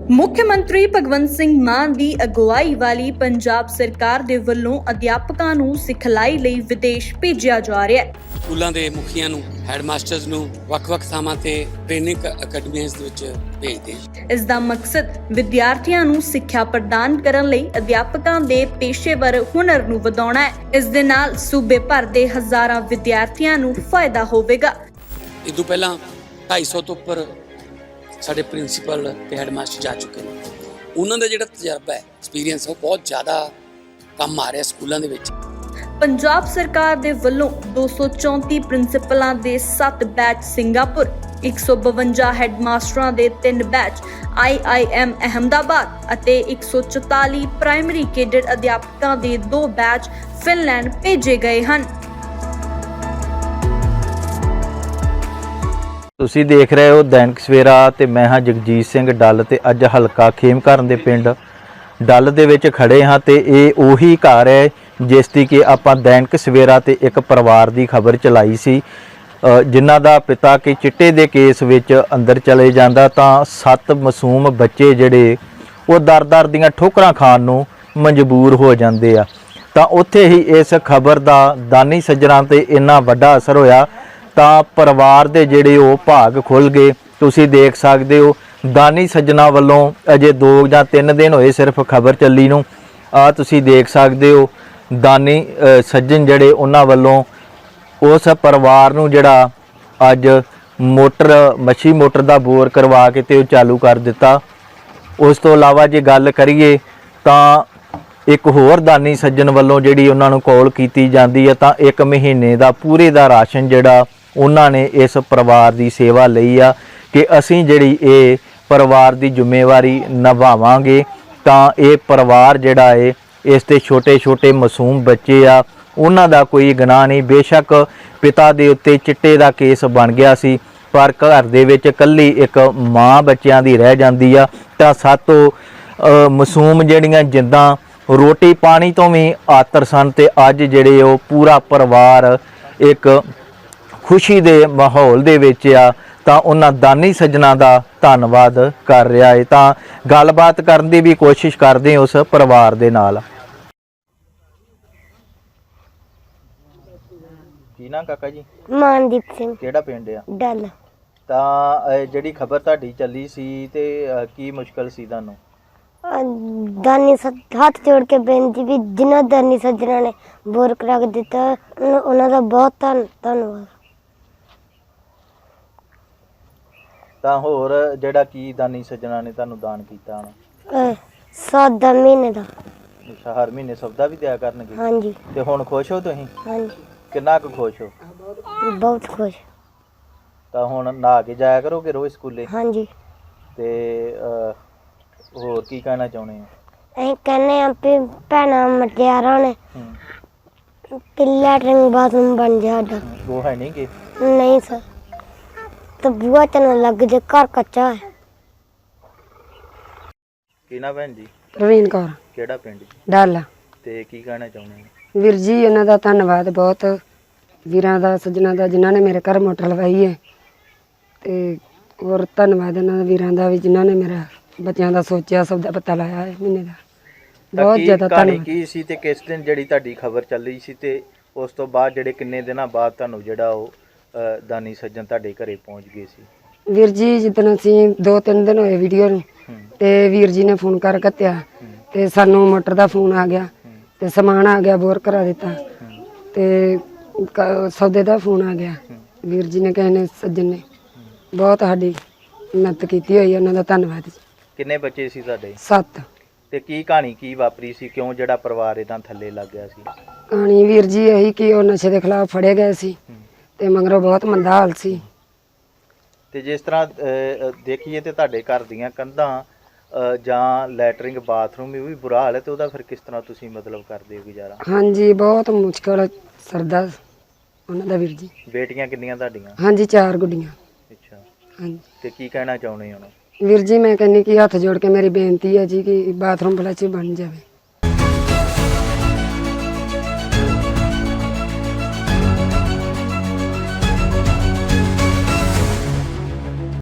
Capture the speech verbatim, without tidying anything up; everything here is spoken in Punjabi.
ਮੁੱਖਮੰਤਰੀ ਭਗਵੰਤ ਸਿੰਘ ਮਾਨ ਦੀ ਅਗਵਾਈ ਵਾਲੀ ਪੰਜਾਬ ਸਰਕਾਰ ਦੇ ਵੱਲੋਂ ਅਧਿਆਪਕਾਂ ਨੂੰ ਸਿਖਲਾਈ ਲਈ ਵਿਦੇਸ਼ ਭੇਜਿਆ ਜਾ ਰਿਹਾ ਹੈ। ਸਕੂਲਾਂ ਦੇ ਮੁਖੀਆਂ ਨੂੰ ਹੈਡਮਾਸਟਰਸ ਨੂੰ ਵੱਖ-ਵੱਖ ਥਾਵਾਂ ਤੇ ਟ੍ਰੇਨਿੰਗ ਅਕੈਡਮੀਆਂ ਦੇ ਵਿੱਚ ਭੇਜਦੇ ਹਨ। ਇਸ ਦਾ ਮਕਸਦ ਵਿਦਿਆਰਥੀਆਂ ਨੂੰ ਸਿੱਖਿਆ ਪ੍ਰਦਾਨ ਕਰਨ ਲਈ ਅਧਿਆਪਕਾਂ ਦੇ ਪੇਸ਼ੇਵਰ ਹੁਨਰ ਨੂੰ ਵਧਾਉਣਾ ਹੈ। ਇਸ ਦੇ ਨਾਲ ਸੂਬੇ ਭਰ ਦੇ ਹਜ਼ਾਰਾਂ ਵਿਦਿਆਰਥੀਆਂ ਨੂੰ ਫਾਇਦਾ ਹੋਵੇਗਾ। ਇਸ ਤੋਂ ਪਹਿਲਾਂ ਢਾਈ ਸੌ ਤੋਂ ਉੱਪਰ ਸਾਡੇ ਪ੍ਰਿੰਸੀਪਲ ਤੇ ਹੈਡਮਾਸਟਰ ਜਾ ਚੁੱਕੇ ਨੇ। ਉਹਨਾਂ ਦਾ ਜਿਹੜਾ ਤਜਰਬਾ ਹੈ, ਐਕਸਪੀਰੀਅੰਸ ਹੈ, ਉਹ ਬਹੁਤ ਜ਼ਿਆਦਾ ਕੰਮ ਆ ਰਿਹਾ ਸਕੂਲਾਂ ਦੇ ਵਿੱਚ। ਪੰਜਾਬ ਸਰਕਾਰ ਦੇ ਵੱਲੋਂ ਦੋ ਸੌ ਚੌਂਤੀ ਪ੍ਰਿੰਸੀਪਲਾਂ ਦੇ ਸੱਤ ਬੈਚ ਸਿੰਗਾਪੁਰ, ਇੱਕ ਸੌ ਬਵੰਜਾ ਹੈਡਮਾਸਟਰਾਂ ਦੇ ਤਿੰਨ batch I I M Ahmedabad ਅਤੇ ਇੱਕ ਸੌ ਚੁਤਾਲੀ ਪ੍ਰਾਇਮਰੀ ਕੇਡਰ ਅਧਿਆਪਕਾਂ ਦੇ ਦੋ ਬੈਚ ਫਿਨਲੈਂਡ ਭੇਜੇ ਗਏ ਹਨ। ਤੁਸੀਂ ਦੇਖ ਰਹੇ ਹੋ ਦੈਨਿਕ ਸਵੇਰਾ ਤੇ ਮੈਂ ਹਾਂ ਜਗਜੀਤ ਸਿੰਘ ਡੱਲ ਤੇ ਅੱਜ ਹਲਕਾ ਖੇਮਕਰਨ ਦੇ ਪਿੰਡ ਡੱਲ ਦੇ ਵਿੱਚ ਖੜੇ ਹਾਂ ਤੇ ਇਹ ਉਹੀ ਘਰ ਹੈ ਜਿਸ ਦੀ ਕਿ ਆਪਾਂ ਦੈਨਿਕ ਸਵੇਰਾ ਤੇ ਇੱਕ ਪਰਿਵਾਰ ਦੀ ਖਬਰ ਚਲਾਈ ਸੀ, ਜਿਨ੍ਹਾਂ ਦਾ ਪਿਤਾ ਕਿ ਚਿੱਟੇ ਦੇ ਕੇਸ ਵਿੱਚ ਅੰਦਰ ਚਲੇ ਜਾਂਦਾ ਤਾਂ ਸੱਤ ਮਾਸੂਮ ਬੱਚੇ ਜਿਹੜੇ ਉਹ ਦਰ-ਦਰ ਦੀਆਂ ਠੋਕਰਾਂ ਖਾਣ ਨੂੰ ਮਜਬੂਰ ਹੋ ਜਾਂਦੇ ਆ। ਤਾਂ ਉੱਥੇ ਹੀ ਇਸ ਖਬਰ ਦਾ ਦਾਨੀ ਸੱਜਣਾ ਤੇ ਇੰਨਾ ਵੱਡਾ ਅਸਰ ਹੋਇਆ ਤਾਂ ਪਰਿਵਾਰ ਦੇ ਜਿਹੜੇ ਉਹ ਭਾਗ ਖੁੱਲ ਗਏ। ਤੁਸੀਂ ਦੇਖ ਸਕਦੇ ਹੋ ਦਾਨੀ ਸੱਜਣਾ ਵੱਲੋਂ ਅਜੇ ਦੋ ਜਾਂ ਤਿੰਨ ਦਿਨ ਹੋਏ ਸਿਰਫ ਖਬਰ ਚੱਲੀ ਨੂੰ। ਆ ਤੁਸੀਂ ਦੇਖ ਸਕਦੇ ਹੋ ਦਾਨੀ ਸੱਜਣ ਜਿਹੜੇ ਉਹਨਾਂ ਵੱਲੋਂ ਉਸ ਪਰਿਵਾਰ ਨੂੰ ਜਿਹੜਾ ਅੱਜ ਮੋਟਰ ਮੱਛੀ ਮੋਟਰ ਦਾ ਬੋਰ ਕਰਵਾ ਕੇ ਤੇ ਉਹ ਚਾਲੂ ਕਰ ਦਿੱਤਾ। ਉਸ ਤੋਂ ਇਲਾਵਾ ਜੇ ਗੱਲ ਕਰੀਏ ਤਾਂ ਇੱਕ ਹੋਰ ਦਾਨੀ ਸੱਜਣ ਵੱਲੋਂ ਜਿਹੜੀ ਉਹਨਾਂ ਨੂੰ ਕਾਲ ਕੀਤੀ ਜਾਂਦੀ ਹੈ ਤਾਂ ਇੱਕ ਮਹੀਨੇ ਦਾ ਪੂਰੇ ਦਾ ਰਾਸ਼ਨ ਜਿਹੜਾ ਉਹਨਾਂ ਨੇ ਇਸ ਪਰਿਵਾਰ ਦੀ ਸੇਵਾ ਲਈ ਆ ਕਿ ਅਸੀਂ ਜਿਹੜੀ ਇਹ ਪਰਿਵਾਰ ਦੀ ਜ਼ਿੰਮੇਵਾਰੀ ਨਿਭਾਵਾਂਗੇ। ਤਾਂ ਇਹ ਪਰਿਵਾਰ ਜਿਹੜਾ ਹੈ ਇਸ ਤੇ ਛੋਟੇ ਛੋਟੇ ਮਾਸੂਮ ਬੱਚੇ ਆ, ਉਹਨਾਂ ਦਾ ਕੋਈ ਗੁਨਾਹ ਨਹੀਂ। ਬੇਸ਼ੱਕ ਪਿਤਾ ਦੇ ਉੱਤੇ ਚਿੱਟੇ ਦਾ ਕੇਸ ਬਣ ਗਿਆ ਸੀ ਪਰ ਘਰ ਦੇ ਵਿੱਚ ਇਕੱਲੀ ਇੱਕ ਮਾਂ ਬੱਚਿਆਂ ਦੀ ਰਹਿ ਜਾਂਦੀ ਆ ਤਾਂ ਸਾਤੋਂ ਮਾਸੂਮ ਜਿਹੜੀਆਂ ਜਿੱਦਾਂ ਰੋਟੀ ਪਾਣੀ ਤੋਂ ਵੀ ਆਤਰ ਸਨ ਤੇ ਅੱਜ ਜਿਹੜੇ ਉਹ ਪੂਰਾ ਪਰਿਵਾਰ ਇੱਕ ਖੁਸ਼ੀ ਦੇ ਮਾਹੌਲ ਦੇ ਵਿੱਚ ਆ ਤਾਂ ਉਹਨਾਂ ਦਾਨੀ ਸੱਜਣਾ ਦਾ ਧੰਨਵਾਦ ਕਰ ਰਿਹਾ ਹੈ। ਤਾਂ ਗੱਲਬਾਤ ਕਰਨ ਦੀ ਵੀ ਕੋਸ਼ਿਸ਼ ਕਰਦੇ ਉਸ ਪਰਿਵਾਰ ਦੇ ਨਾਲ। ਕੀ ਨਾਂ ਕਾਕਾ ਜੀ? ਮਾਨਦੀਪ ਸਿੰਘ। ਕਿਹੜਾ ਪਿੰਡ ਆ? ਡੱਲ। ਤਾਂ ਜਿਹੜੀ ਖਬਰ ਤੁਹਾਡੀ ਚੱਲੀ ਸੀ ਤੇ ਕੀ ਮੁਸ਼ਕਲ ਸੀ ਤੁਹਾਨੂੰ? ਦਾਨੀ ਹੱਥ ਜੋੜ ਕੇ ਬੇਨਤੀ ਵੀ ਜਿਨ੍ਹਾਂ ਦਾਨੀ ਸੱਜਣਾ ਨੇ ਬੋਰ ਕਰਾ ਕੇ ਦਿੱਤਾ ਉਹਨਾਂ ਦਾ ਬਹੁਤ ਧੰਨ ਧੰਨਵਾਦ। ਤਾਂ ਹੋਰ ਜਿਹੜਾ ਕੀ ਦਾਨੀ ਸੱਜਣਾ ਨੇ ਤੁਹਾਨੂੰ ਦਾਨ ਕੀਤਾ ਹੁਣ? ਸੌਦਾ ਮਹੀਨੇ ਦਾ। ਅੱਛਾ, ਹਰ ਮਹੀਨੇ ਸੌਦਾ ਵੀ ਦਿਆ ਕਰਨਗੇ? ਹਾਂਜੀ। ਤੇ ਹੁਣ ਖੁਸ਼ ਹੋ ਤੁਸੀਂ? ਹਾਂਜੀ। ਕਿੰਨਾ ਕੁ ਖੁਸ਼ ਹੋ? ਬਹੁਤ ਖੁਸ਼। ਤਾਂ ਹੁਣ ਨਹਾ ਕੇ ਜਾਇਆ ਕਰੋਗੇ ਰੋਜ਼ ਸਕੂਲੇ? ਹਾਂਜੀ। ਤੇ ਹੋਰ ਕੀ ਕਹਿਣਾ ਚਾਹੁੰਦੇ ਹੋ? ਅਸੀਂ ਕਹਿੰਦੇ ਆ ਵੀ ਭੈਣਾਂ ਮਟਿਆਰਾਂ ਨੇ ਕਿ ਲੈਟਰਿੰਗ ਬਾਥਰੂਮ ਬਣ ਜਾ ਸਾਡਾ। ਉਹ ਹੈ ਨਹੀਂ ਕਿ? ਨਹੀਂ ਸਰ, ਤਾਂ ਬੂਆ ਚ ਨਾ ਲੱਗ ਜੇ, ਘਰ ਕੱਚਾ ਹੈ। ਕੀ ਨਾ ਭੈਣ ਜੀ? ਰਵੀਨ ਕੌਰ। ਕਿਹੜਾ ਪਿੰਡ? ਡੱਲ। ਤੇ ਕੀ ਕਹਿਣਾ ਚਾਹੁੰਦੇ ਹੋ? ਵੀਰ ਜੀ ਇਹਨਾਂ ਦਾ ਧੰਨਵਾਦ ਬਹੁਤ, ਵੀਰਾਂ ਦਾ ਸੱਜਣਾ ਦਾ ਜਿਨ੍ਹਾਂ ਨੇ ਮੇਰੇ ਘਰ ਮੋਟਰ ਲਵਾਈ ਹੈ ਤੇ ਹੋਰ ਧੰਨਵਾਦ ਇਹਨਾਂ ਦਾ ਵੀਰਾਂ ਦਾ ਵੀ ਜਿਨ੍ਹਾਂ ਨੇ ਮੇਰਾ ਬੱਚਿਆਂ ਦਾ ਸੋਚਿਆ, ਸਭ ਦਾ ਪਤਾ ਲਾਇਆ ਹੈ ਮਹੀਨੇ ਦਾ। ਬਹੁਤ ਜ਼ਿਆਦਾ ਧੰਨਵਾਦ। ਕੀ ਸੀ ਤੇ ਕਿਸ ਦਿਨ ਜਿਹੜੀ ਤੁਹਾਡੀ ਖਬਰ ਚੱਲੀ ਸੀ ਤੇ ਉਸ ਤੋਂ ਬਾਅਦ ਜਿਹੜੇ ਕਿੰਨੇ ਦਿਨਾਂ ਬਾਅਦ ਤੁਹਾਨੂੰ ਜਿਹੜਾ ਉਹ ਦਾਨੀ ਸੱਜਣ ਤੁਹਾਡੇ ਘਰੇ ਪਹੁੰਚ ਗਏ ਸੀ? ਵੀਰ ਜੀ ਜਿੱਦਣ ਅਸੀਂ ਦੋ ਤਿੰਨ ਦਿਨ ਹੋਏ ਵੀਡੀਓ ਨੂੰ ਤੇ ਵੀਰ ਜੀ ਨੇ ਫੋਨ ਕਰ ਕੱਤਿਆ ਤੇ ਸਾਨੂੰ ਮੋਟਰ ਦਾ ਫੋਨ ਆ ਗਿਆ ਤੇ ਸਮਾਨ ਆ ਗਿਆ, ਬੋਰ ਕਰਾ ਦਿੱਤਾ ਤੇ ਸੌਦੇ ਦਾ ਫੋਨ ਆ ਗਿਆ। ਵੀਰ ਜੀ ਨੇ ਕਹੇ ਨੇ ਸੱਜਣ ਨੇ ਬਹੁਤ ਸਾਡੀ ਮਦਦ ਕੀਤੀ ਹੋਈ, ਉਹਨਾਂ ਦਾ ਧੰਨਵਾਦ ਜੀ। ਕਿੰਨੇ ਬੱਚੇ ਸੀ ਤੁਹਾਡੇ? ਸੱਤ। ਤੇ ਕੀ ਕਹਾਣੀ ਕੀ ਵਾਪਰੀ ਸੀ, ਕਿਉਂ ਜਿਹੜਾ ਪਰਿਵਾਰ ਇਦਾਂ ਥੱਲੇ ਲੱਗ ਗਿਆ ਸੀ? ਕਹਾਣੀ ਵੀਰ ਜੀ ਇਹੀ ਕਿ ਉਹ ਨਸ਼ੇ ਦੇ ਖਿਲਾਫ ਫੜੇ ਗਏ ਸੀ ਤੇ ਮਗਰੋਂ ਬਹੁਤ ਮੰਦਾ ਹਾਲ ਸੀ। ਤੇ ਜਿਸ ਤਰ੍ਹਾਂ ਦੇਖੀਏ ਤੇ ਤੁਹਾਡੇ ਘਰ ਦੀਆਂ ਕੰਧਾਂ ਜਾਂ ਲੈਟਰਿੰਗ ਬਾਥਰੂਮ ਵੀ ਬੁਰਾ ਹਾਲ ਹੈ ਤੇ ਉਹਦਾ ਫਿਰ ਕਿਸ ਤਰ੍ਹਾਂ ਤੁਸੀਂ ਮਤਲਬ ਕਰਦੇ ਹੋ ਗੁਜ਼ਾਰਾ? ਹਾਂਜੀ, ਬਹੁਤ ਮੁਸ਼ਕਲ ਸਰਦਾ ਉਹਨਾਂ ਦਾ ਵੀਰ ਜੀ। ਬੇਟੀਆਂ ਕਿੰਨੀਆਂ ਤੁਹਾਡੀਆਂ? ਹਾਂਜੀ, ਚਾਰ ਗੁੱਡੀਆਂ। ਅੱਛਾ। ਹਾਂਜੀ। ਤੇ ਕੀ ਕਹਿਣਾ ਚਾਹੁੰਦੇ ਹੋ? ਵੀਰ ਜੀ ਮੈਂ ਕਹਿੰਦੀ ਕਿ ਹੱਥ ਜੋੜ ਕੇ ਮੇਰੀ ਬੇਨਤੀ ਹੈ ਜੀ ਕਿ ਬਾਥਰੂਮ ਫਲੈਸ਼ ਬਣ ਜਾਵੇ।